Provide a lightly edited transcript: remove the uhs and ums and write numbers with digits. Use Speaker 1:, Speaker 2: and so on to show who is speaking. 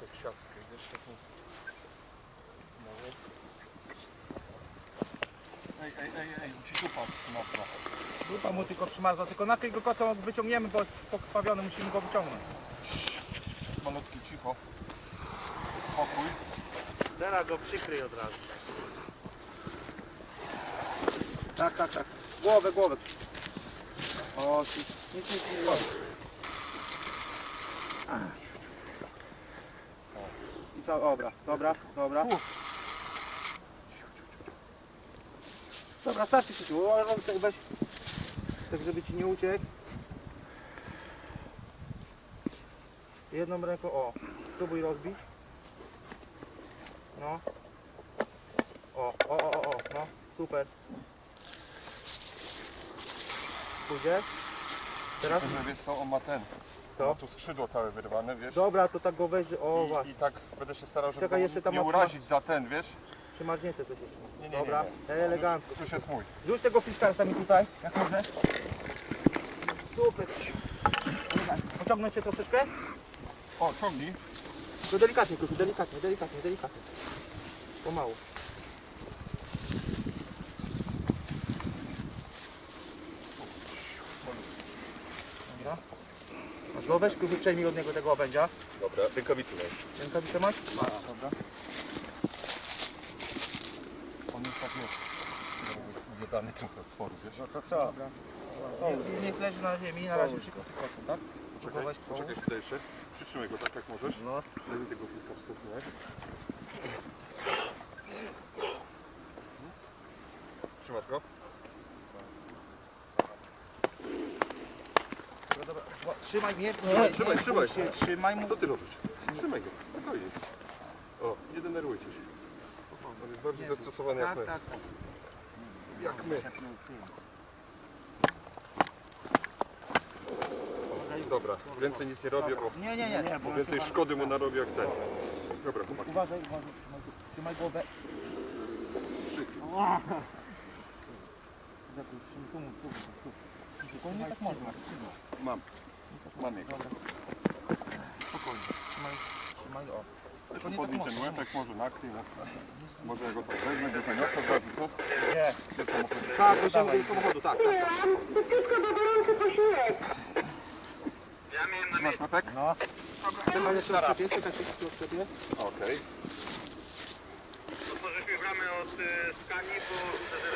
Speaker 1: Jak siatkę, wiesz, taką... Ej, musisz upaść mocno.
Speaker 2: Dupa mu tylko przymarzła, tylko nakryj go kocą, wyciągniemy, bo jest pokrwawiony, musimy go wyciągnąć.
Speaker 1: Malutki, cicho. Spokój.
Speaker 2: Teraz go przykryj od razu. Tak. Głowę. O, nic nie robi. I co? Dobra. Dobra, starczy się tu. Weź, tak żeby ci nie uciekł. Jedną ręką, o, spróbuj rozbić. No. No, super. Pójdzie. Teraz?
Speaker 1: Wiesz co, on ma ten.
Speaker 2: Co?
Speaker 1: Ma tu skrzydło całe wyrwane, wiesz?
Speaker 2: Dobra, to tak go weź, o właśnie.
Speaker 1: I tak będę się starał, żeby
Speaker 2: Czekaj,
Speaker 1: go
Speaker 2: jeszcze tam
Speaker 1: nie
Speaker 2: mocno.
Speaker 1: urazić za ten, wiesz?
Speaker 2: Przymarznięte coś jeszcze.
Speaker 1: Nie.
Speaker 2: Dobra, elegancko.
Speaker 1: Już jest mój.
Speaker 2: Rzuć tego fiskarsa mi tutaj, jak możesz. Super. Pociągnąć się troszeczkę?
Speaker 1: O, ciągnij.
Speaker 2: To delikatnie, Kufi, delikatnie. Pomału. Dobra. Masz go, weź Kufi, przejmij od niego tego obędzia.
Speaker 1: Dobra, rękawicy masz.
Speaker 2: Rękawice masz?
Speaker 1: Dobra. On jest tak jest. Uwiadany trochę od sporu, wiesz?
Speaker 2: No to co? Dobra. Niech leży na ziemi, na razie przykryty kocą, tak?
Speaker 1: Poczekaj tutaj jeszcze. Przytrzymaj go tak jak możesz.
Speaker 2: No.
Speaker 1: Daj mi tego fiska wstecnie. Trzymasz go?
Speaker 2: Dobra. Trzymaj mnie.
Speaker 1: Trzymaj.
Speaker 2: Trzymaj mu.
Speaker 1: Co ty robisz? Trzymaj go, spokojnie. O, nie denerwujcie się. On jest bardziej zestresowany jak my.
Speaker 2: Tak.
Speaker 1: Jak my. Dobra, więcej nic nie robię,
Speaker 2: Nie.
Speaker 1: bo więcej szkody mu narobię jak ten. Dobra, chłopaki.
Speaker 2: Uważaj, trzymaj głowę. Spokojnie tak można.
Speaker 1: Mam jego.
Speaker 2: Spokojnie. Trzymaj, o.
Speaker 1: Tylko podnieś ten łeb, jak może nakryj. Może ja go tak wezmę, go zaniosę od razu, co?
Speaker 2: Nie.
Speaker 1: Gdzie samochód?
Speaker 2: Tak, do samochodu, tak.
Speaker 1: Trzymasz łepek?
Speaker 2: No. Czekaj, jeszcze odczepię, czekaj, się odczepię.
Speaker 1: Okej.
Speaker 3: Otworzyliśmy bramę od skani, bo widzę, że